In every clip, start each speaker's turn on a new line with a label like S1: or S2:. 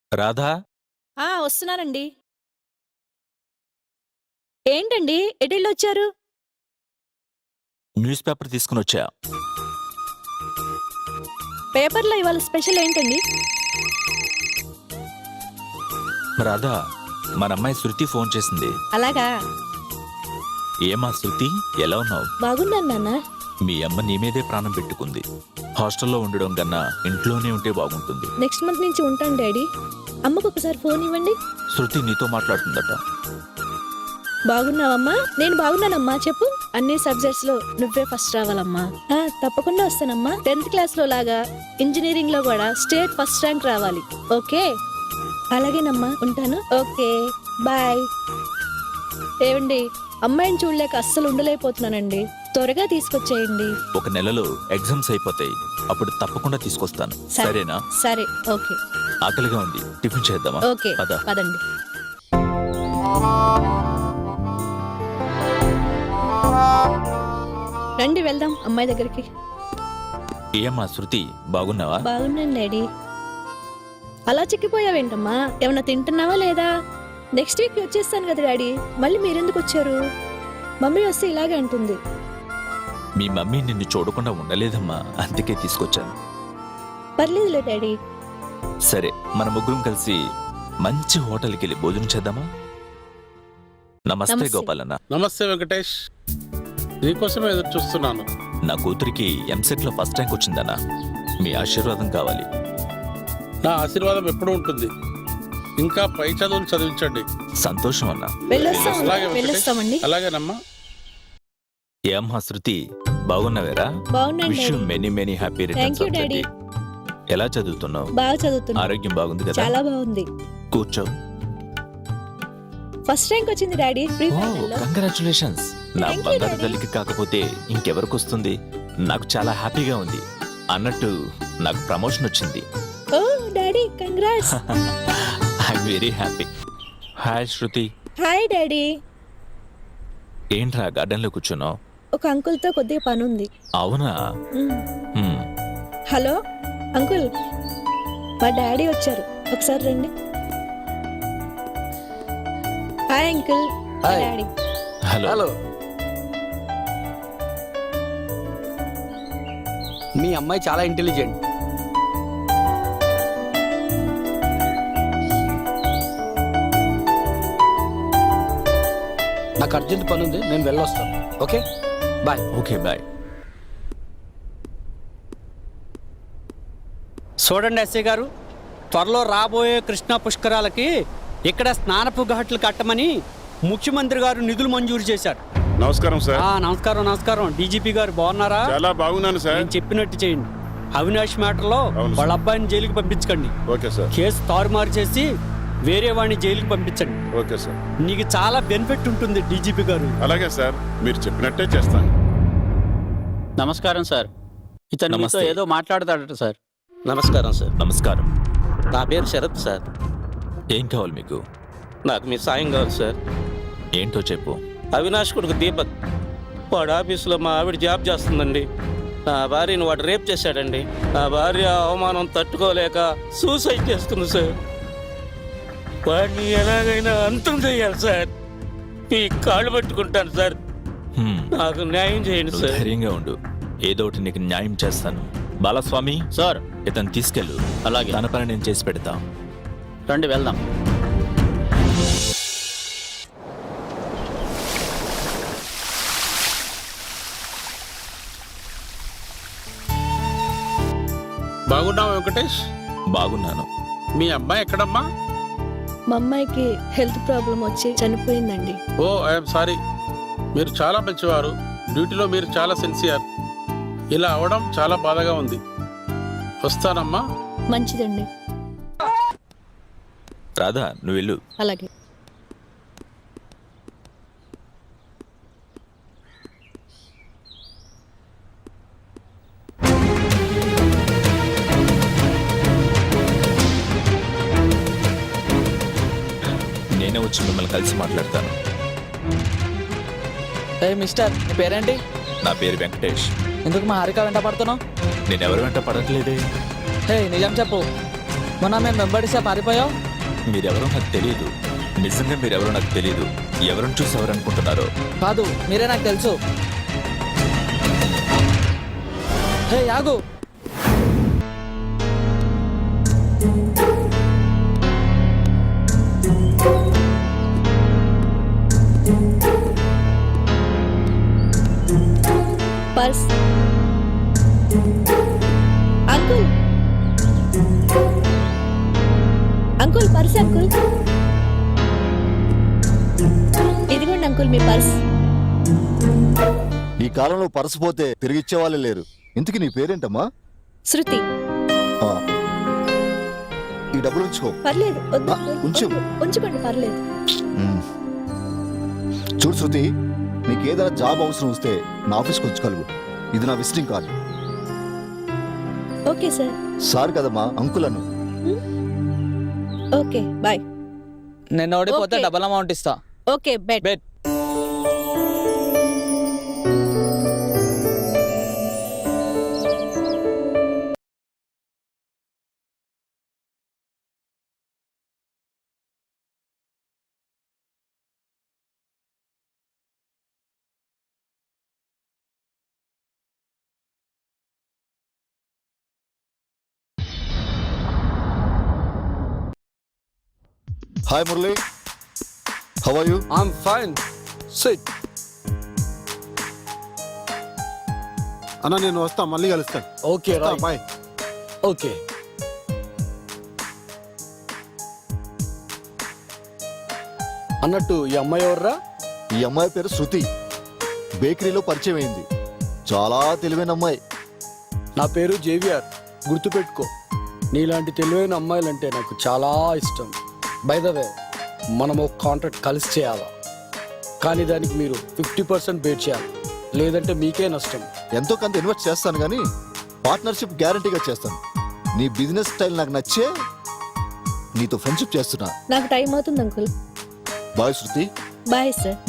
S1: రాధా,
S2: వస్తున్నానండి. ఏంటండి ఎటెళ్ళొచ్చారు?
S1: News paper తీసుకునొచ్చా.
S2: పేపర్లో ఇవాళ స్పెషల్ ఏంటండి?
S1: రాధా, మన అమ్మాయి శృతి ఫోన్ చేసింది.
S2: అలాగా?
S1: ఏమా శృతి, ఎలా ఉన్నావు?
S2: బాగున్నాను నాన్న.
S1: మీ అమ్మ నీ మీదే ప్రాణం పెట్టుకుంది. హాస్టల్లో ఉండడం కన్నా ఇంట్లోనే ఉంటే బాగుంటుంది.
S2: నెక్స్ట్ మంత్ నుంచి ఉంటాను డాడీ. అమ్మకు ఒకసారి ఫోన్ ఇవ్వండి.
S1: శృతి నీతో మాట్లాడుతుందట.
S2: బాగున్నావమ్మా? నేను బాగున్నానమ్మా. చెప్పు. అన్ని సబ్జెక్ట్స్ లో నువ్వే ఫస్ట్ రావాలమ్మా. తప్పకుండా వస్తానమ్మా. 10th క్లాస్ లో లాగా ఇంజనీరింగ్ లో కూడా స్టేట్ ఫస్ట్ ర్యాంక్ రావాలి. ఓకే? అలాగేనమ్మా, ఉంటాను. Okay, bye. ఏవండి, అమ్మాయిని చూడలేక అస్సలు ఉండలేకపోతున్నానండి. త్వరగా తీసుకొచ్చేయండి.
S1: ఒక నెలలో ఎగ్జామ్స్ అయిపోతాయి, అప్పుడు తప్పకుండా తీసుకొస్తాను. సరేనా?
S2: సరే, ఓకే.
S1: ఆకలిగా ఉంది, టిఫిన్ చేద్దామా?
S2: ఓకే,
S1: పద.
S2: పదండి. రండి వెళ్దాం అమ్మాయి దగ్గరికి.
S1: ఏమ్మా శృతి, బాగున్నావా?
S2: బాగున్నాను డాడీ. అలా చిక్కిపోయావేంటమ్మా? ఏమన్నా తింటున్నావా లేదా? నెక్స్ట్ వీక్ వచ్చేస్తాను కదా డాడీ. మళ్ళీ మీరెందుకు వచ్చారు? మమ్మీ వస్తే ఇలాగే అంటుంది.
S1: మీ మమ్మీ నిన్ను చూడకుండా ఉండలేదమ్మా, అందుకే తీసుకొచ్చాను.
S2: పర్లేదులే డాడీ.
S1: సరే, మన ముగ్గురం కలిసి మంచి హోటల్కి వెళ్ళి భోజనం చేద్దామా? నమస్తే
S2: నమస్తే.
S1: గోపాలన్న.
S3: నమస్తే వెంకటేష్, నీకోసమే ఎదురు చూస్తున్నాను.
S1: నా కూతురికి ఎంసెట్ లో ఫస్ట్ ర్యాంక్ వచ్చిందన్నా, మీ ఆశీర్వాదం కావాలి.
S3: నా ఆశీర్వాదం ఎప్పుడూ ఉంటుంది. ఇంకా పై చదువులు చదివించండి.
S1: సంతోషం అన్నా.
S3: అలాగే వెంకటేష్.
S2: వెళ్ళొస్తామండి.
S3: అలాగేనమ్మా.
S1: ఏమ్మా శృతి, బాగున్నావేరా?
S2: బాగున్నాను
S1: wish you
S2: daddy.
S1: Many many happy
S2: thank
S1: returns
S2: you
S1: of the
S2: daddy.
S1: Day. ఎలా చదువుతున్నావు?
S2: బాగా చదువుతున్నా.
S1: ఆరోగ్యం బాగుంది కదా?
S2: చాలా బాగుంది.
S1: కూర్చో.
S2: ఫస్ట్ ర్యాంక్ వచ్చింది డాడీ. ప్రీ ఫైనల్ లో.
S1: కంగ్రాచులేషన్స్. నా
S2: Thank you,
S1: బంగారు
S2: Daddy.
S1: తల్లికి కాకపోతే ఇంకెవరికి వస్తుంది? నాకు చాలా హ్యాపీగా ఉంది. అన్నట్టు నాకు ప్రమోషన్ వచ్చింది.
S2: Oh daddy, congrats.
S1: I'm very happy. Hi Shruti.
S2: Hi daddy.
S1: ఏంట్రా గార్డెన్ లో కూర్చున్నావు?
S2: ఒక అంకుల్ తో కొద్దిగా పని ఉంది.
S1: అవునా? హ్మ్.
S2: హలో అంకుల్, మా డాడీ వచ్చారు, ఒకసారి రండి. Hi uncle. మా
S4: హాయ్.
S2: డాడీ.
S1: హలో.
S4: హలో, మీ అమ్మాయి చాలా ఇంటెలిజెంట్. నాకు అర్జెంట్ పని ఉంది, నేను వెళ్ళొస్తాను. Okay, bye.
S1: Okay, bye.
S5: చూడండి ఎస్ఐ గారు, త్వరలో రాబోయే కృష్ణా పుష్కరాలకి ఇక్కడ స్నానపు ఘాట్లు కట్టమని ముఖ్యమంత్రి గారు నిధులు మంజూరు చేశారు.
S6: నమస్కారం సార్.
S5: నమస్కారం నమస్కారం. డీజీపీ గారు బాగున్నారా?
S6: చాలా బాగున్నాను సార్.
S5: నేను చెప్పినట్టు చేయండి. అవినాష్ మ్యాటర్లో
S6: అవును సార్.
S5: వాళ్ళ అబ్బాయిని జైలుకి పంపించకండి.
S6: Okay sir.
S5: కేసు తారుమారు చేసి వేరే వాడిని జైలుకి పంపించండి.
S6: Okay sir.
S5: నీకు చాలా బెనిఫిట్ ఉంటుంది డీజీపీ గారు.
S6: అలాగే సార్, మీరు చెప్పినట్టే చేస్తాను.
S7: నమస్కారం సార్. ఇతను మీతో
S1: నమస్తే.
S7: ఏదో మాట్లాడతాడట సార్.
S4: నమస్కారం సార్.
S1: నమస్కారం.
S4: నా పేరు శరత్ సార్.
S1: ఏం కావాలి మీకు?
S4: నాకు మీ సాయం కావాలి సార్.
S1: ఏంటో చెప్పు.
S4: అవినాష్ కొడుకు దీపక్, వాడు ఆఫీసులో మా ఆవిడ జాబ్ చేస్తుందండి. నా భార్యను వాడు రేప్ చేశాడండి. నా భార్య అవమానం తట్టుకోలేక సూసైడ్ చేసుకుంది సార్. వాడిని ఎలాగైనా అంతం చేయాలి సార్. మీ కాళ్ళు పట్టుకుంటాను సార్.
S1: హ్మ్.
S4: నాకు న్యాయం చేయండి
S1: నువ్వు
S4: సార్.
S1: ధైర్యంగా ఉండు, ఏదో ఒకటి నీకు న్యాయం చేస్తాను. బాలస్వామి
S7: సార్,
S1: ఇతను తీసుకెళ్ళు.
S7: అలాగే.
S1: తన పని నేను చేసి పెడతా.
S7: రండి వెళ్దాం.
S3: బాగున్నావా వెంకటేష్?
S1: బాగున్నాను.
S3: మీ అమ్మాయి ఎక్కడమ్మా?
S2: మా అమ్మాయికి హెల్త్ ప్రాబ్లం వచ్చి చనిపోయిందండి.
S3: ఓ, ఐఎమ్ సారీ. మీరు చాలా మంచివారు. డ్యూటీలో మీరు చాలా సిన్సియర్. ఇలా అవడం చాలా బాధగా ఉంది. వస్తానమ్మా.
S2: మంచిదండి.
S1: రాధా, నువ్వు వెళ్ళు.
S2: అలాగే.
S1: నేనే వచ్చి మిమ్మల్ని కలిసి మాట్లాడతాను.
S7: ఏ మిస్టర్, నీ పేరేంటి?
S1: నా పేరు వెంకటేష్.
S7: ఎందుకు మా హారిక వెంట పడుతున్నావు?
S1: నేనెవరి వెంట పడట్లేదే.
S7: హే, నిజం చెప్పు. మొన్న మేము వెంబడిస్తే పారిపోయావు.
S1: మీరెవరో నాకు తెలియదు. నిజంగా మీరెవరో నాకు తెలియదు. ఎవరిని చూసి ఎవరు అనుకుంటున్నారో.
S7: కాదు, మీరే నాకు తెలుసు. హే యాగు,
S2: purse. Uncle uncle purse uncle. ఇదిగోండి అంకుల్ మీ పర్స్.
S8: ఈ కాలంలో పర్సు పోతే తిరిగిచ్చేవాళ్ళే లేరు. ఇంతకీ నీ పేరేంటమ్మా?
S2: శృతి.
S8: ఆ, ఈ డబ్బులు ఉంచుకో.
S2: పర్లేదు వద్దు అంకుల్,
S8: ఉంచు.
S2: వద్దు. ఉంచుకోండి పర్లేదు.
S8: మ్. చూడు శృతి, నీకు ఏదైనా జాబ్ అవసరం వస్తే నా ఆఫీస్కి ఉంచుకోగలవు. ఇది నా visiting card.
S2: Okay sir.
S8: Sir కదమ్మా, అంకులను.
S2: Okay bye.
S7: నిన్న ఓడిపోతే
S2: ఓకే.
S7: డబల్ అమౌంట్ ఇస్తా.
S2: Okay bet.
S7: Bet.
S8: Hi Murali, how are you?
S9: I'm fine. Sit.
S3: అన్న నేను వస్తా, మళ్ళీ కలుస్తాను.
S9: Okay, right.
S3: బాయ్.
S9: Okay. అన్నట్టు ఈ అమ్మాయి ఎవర్రా?
S8: ఈ అమ్మాయి పేరు శృతి. బేకరీలో పరిచయం అయింది. చాలా తెలివైన అమ్మాయి.
S9: నా పేరు జేవిఆర్. గుర్తుపెట్టుకో, నీలాంటి తెలివైన అమ్మాయిలంటే నాకు చాలా ఇష్టం. బై ద వే, మనం ఒక కాంట్రాక్ట్ కలిసి చేయాలా, కానీ దానికి మీరు 50% బేట్ చేయాలి, లేదంటే మీకే నష్టం.
S8: ఎంతో కొంత ఇన్వెస్ట్ చేస్తాను కానీ పార్ట్నర్షిప్ గ్యారంటీగా చేస్తాను. నీ బిజినెస్ స్టైల్ నాకు నచ్చే నీతో ఫ్రెండ్షిప్ చేస్తున్నా.
S2: నాకు టైం అవుతుంది uncle.
S8: Bye Shruti.
S2: Bye sir.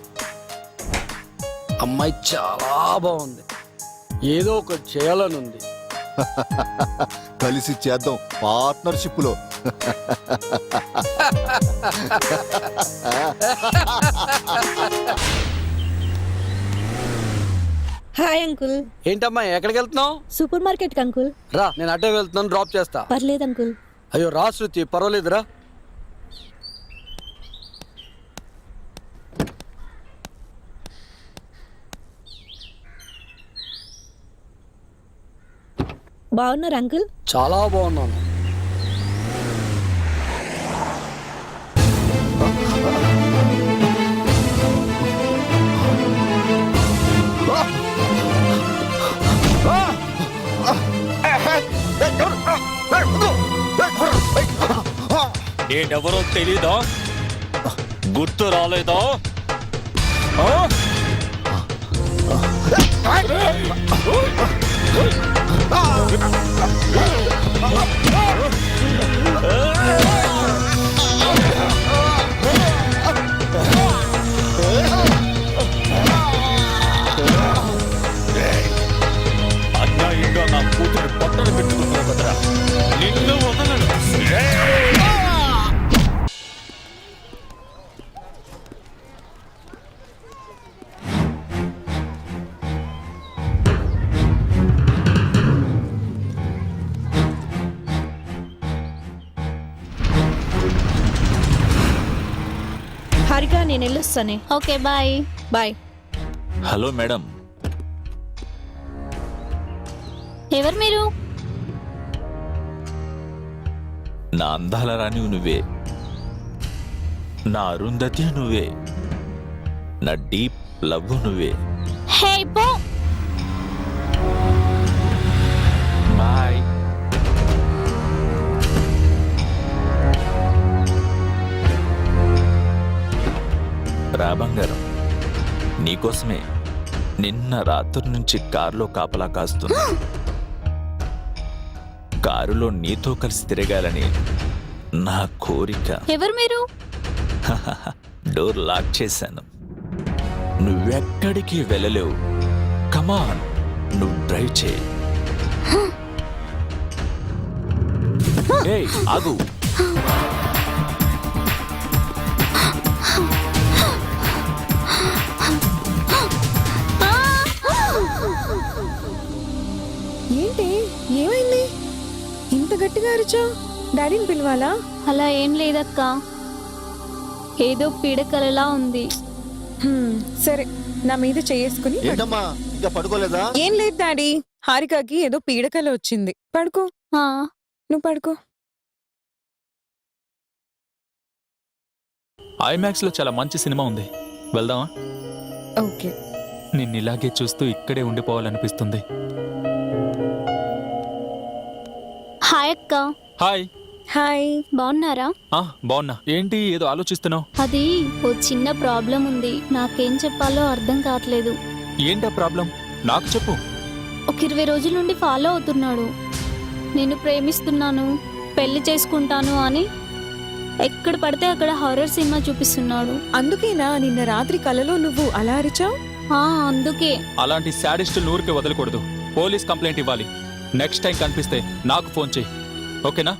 S9: అమ్మాయి చాలా బాగుంది, ఏదో ఒకటి చేయాలని ఉంది.
S8: కలిసి చేద్దాం పార్ట్నర్షిప్ లో.
S2: Hi uncle.
S9: ఏంటమ్మా ఎక్కడికి వెళ్తున్నావు?
S2: సూపర్ మార్కెట్ కి అంకుల్.
S9: రా, నేను అటే వెళ్తున్నాను, డ్రాప్ చేస్తా.
S2: పర్లేదు అంకుల్.
S9: అయ్యో రా శృతి, పర్వాలేదురా.
S2: బాగున్నారు అంకుల్?
S9: చాలా బాగున్నాను.
S4: నేనెవరో తెలీదా? గుర్తు రాలేదా? అన్యాయంగా నా కూతురు పట్టణ పెట్టుకున్నావు కదరా, నిన్ను వదలను.
S2: హారిక నేను వెళ్ళొస్తానే.
S10: Okay bye.
S2: Bye.
S1: Hello madam.
S10: ఎవరు మీరు?
S1: నా అందాల రాణి నువ్వే, నా అరుంధతి నువ్వే, నా డీప్ లవ్ నువ్వే.
S10: హే పో.
S1: బాయ్. రా బంగారం, నీకోసమే నిన్న రాత్రి నుంచి కారులో కాపలా కాస్తున్నా. కారులో నీతో కలిసి తిరగాలని నా కోరిక.
S10: ఎవరు మీరు?
S1: డోర్ లాక్ చేశాను. నువ్వెక్కడికి వెళ్ళలేవు. కమాన్, నువ్వు డ్రైవ్ చేయి. హే ఆగు.
S11: ఏంటి ఏమైంది ఇంత గట్టిగా అరిచావు? డాడీని పిలవాలా?
S10: అలా ఏం లేదక్క, ఏదో పీడకలలా ఉంది.
S11: సరే, నా మీద చేసుకుని
S8: ఏంటమ్మా ఇంకా పడుకోలేదా?
S11: ఏం లేదు డాడీ, హారికకి ఏదో పీడకల వచ్చింది. పడుకో,
S10: ఆ,
S11: నువ్వు పడుకో.
S1: ఐమాక్స్ లో చాలా మంచి సినిమా ఉంది, వెళ్దామా?
S11: ఓకే.
S1: నిన్నిలాగే చూస్తూ ఇక్కడే ఉండిపోవాలనిపిస్తుంది.
S10: హాయ్ అక్క.
S1: హాయ్.
S11: హాయ్.
S10: బాగున్నారా?
S1: బాగున్నా. ఏంటి ఏదో ఆలోచిస్తున్నావు?
S10: అది ఓ చిన్న ప్రాబ్లం ఉంది, నాకేం చెప్పాలో అర్థం కావట్లేదు.
S1: ఏంటా ప్రాబ్లం? నాకు చెప్పు.
S10: ఒక 20 రోజుల నుండి ఫాలో అవుతున్నాడు. నేను ప్రేమిస్తున్నాను, పెళ్లి చేసుకుంటాను అని ఎక్కడ పడితే అక్కడ హారర్ సినిమా చూపిస్తున్నాడు.
S11: అందుకేనా నిన్న రాత్రి కలలో నువ్వు అలా అరిచావు?
S10: అందుకే.
S1: అలాంటి శాడిస్ట్ ఊరికి వదలకూడదు. పోలీస్ కంప్లైంట్ ఇవ్వాలి. నెక్స్ట్ టైం కనిపిస్తే నాకు ఫోన్ చేయి, ఓకేనా?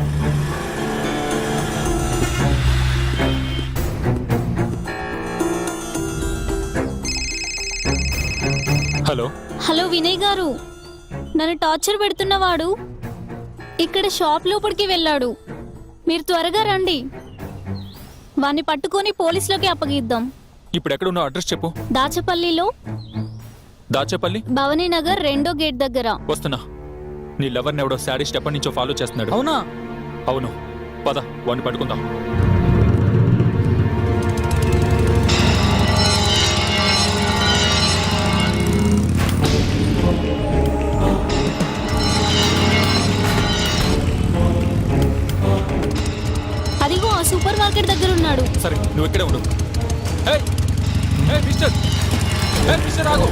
S1: హలో.
S10: హలో వినయ్ గారు, నన్ను టార్చర్ పెడుతున్నవాడు ఇక్కడ షాప్ లోపలికి వెళ్ళాడు. మీరు త్వరగా రండి, వాణ్ణి పట్టుకొని పోలీసులోకి అప్పగిద్దాం.
S1: ఇప్పుడు ఎక్కడ ఉన్నావు? అడ్రస్ చెప్పు.
S10: దాచపల్లిలో,
S1: దాచేపల్లి
S10: భవనీ నగర్ 2వ గేట్ దగ్గర.
S1: వస్తున్నా. నీ లవర్ని ఎవడో శాడిస్ట్ ఎప్పటి నుంచో ఫాలో చేస్తున్నాడు.
S7: అవునా?
S1: అవును, పద వాడిని పట్టుకుందాం.
S10: అదిగో ఆ సూపర్ మార్కెట్ దగ్గర ఉన్నాడు.
S1: సరే, నువ్వు ఇక్కడే ఉండు. ఏయ్, ఏయ్ మిస్టర్, ఏయ్ మిస్టర్ ఆగు.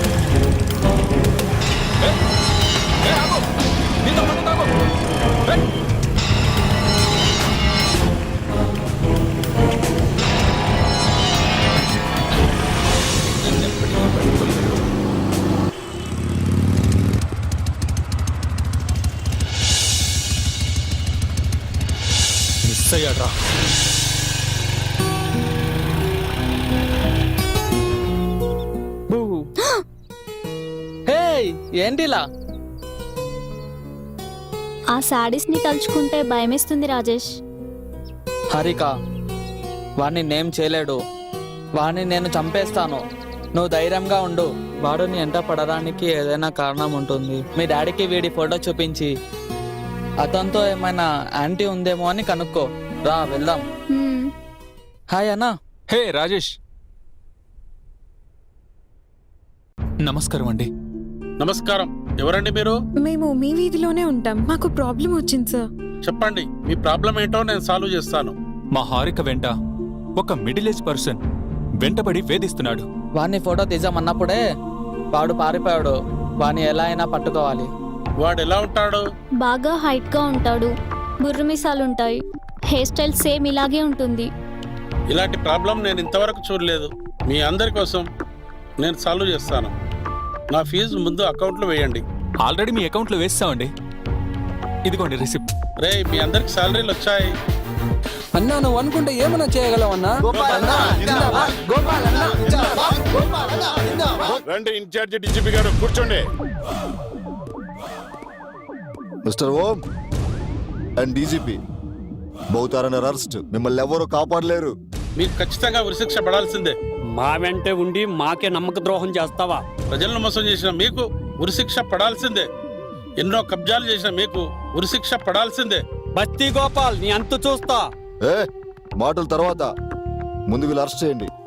S1: ఏయ్, ఏయ్ ఆగు. నీతో పట్టుకుంటా ఆగు. ఏయ్. మిస్ అయ్యాడ్రా.
S7: హే ఏంటిలా?
S10: ఆ శాడీస్ ని తలుచుకుంటే భయమేస్తుంది రాజేష్.
S7: హారిక, వాడిని నేమ్ చేయలేడు. వాడిని నేను చంపేస్తాను. నువ్వు ధైర్యంగా ఉండు. వాడు నీ ఎంట పడడానికి ఏదైనా కారణం ఉంటుంది. మీ డాడీకి వీడి ఫోటో చూపించి అతనితో ఏమైనా యాంటీ ఉందేమో అని కనుక్కో. రా వెళ్దాం. హాయ్ అన్నా.
S1: హే రాజేష్. నమస్కారం అండి.
S3: నమస్కారం. ఎవరండి మీరు?
S11: మేము మీ వీధిలోనే ఉంటాం. మాకు ప్రాబ్లం వచ్చింది సార్.
S3: చెప్పండి, మీ ప్రాబ్లం ఏంటో నేను సాల్వ్ చేస్తాను.
S1: మా హారిక వెంట ఒక మిడిల్ ఏజ్ పర్సన్ వెంటబడి వేధిస్తున్నాడు.
S7: వాడిని ఫోటో తీసామన్నప్పుడే వాడు పారిపోయాడు. వాడిని ఎలా అయినా పట్టుకోవాలి.
S3: వాడు ఎలా ఉంటాడు?
S10: బాగా హైట్ గా ఉంటాడు, బుర్రమీసాలుంటాయి, హెయిర్ స్టైల్ సేమ్ ఇలాగే ఉంటుంది.
S3: ఇలాంటి ప్రాబ్లం నేను ఇంతవరకు చూడలేదు. మీ అందరి కోసం నేను సాల్వ్ చేస్తాను. నా ఫీజు ముందు అకౌంట్లో వేయండి.
S1: ఆల్రెడీ మీ అకౌంట్లో వేస్తామండి. ఇదిగోండి రిసిప్ట్.
S3: రే, మీ అందరికి శాలరీలు వచ్చాయి.
S9: అన్నా నువ్వు అనుకుంటే ఏమన్నా చేయగలవు అన్నా.
S6: రండి ఇన్ఛార్జి డీజీపీ గారు, కూర్చోండి.
S8: Mister Om and DGP, both are under arrest. మిమ్మల్ని ఎవరు కాపాడలేరు.
S3: మీకు ఖచ్చితంగా ఉరిశిక్ష పడాల్సిందే.
S5: మా వెంటే ఉండి మాకే నమ్మక ద్రోహం చేస్తావా?
S3: ప్రజలను మోసం చేసిన మీకు ఉరిశిక్ష పడాల్సిందే. ఎన్నో కబ్జాలు చేసిన మీకు ఉరిశిక్ష పడాల్సిందే.
S5: బస్తీ గోపాల్, నీ అంతు చూస్తా.
S8: ఏ మాటల తర్వాత ముందు వీళ్ళు అరెస్ట్ చేయండి.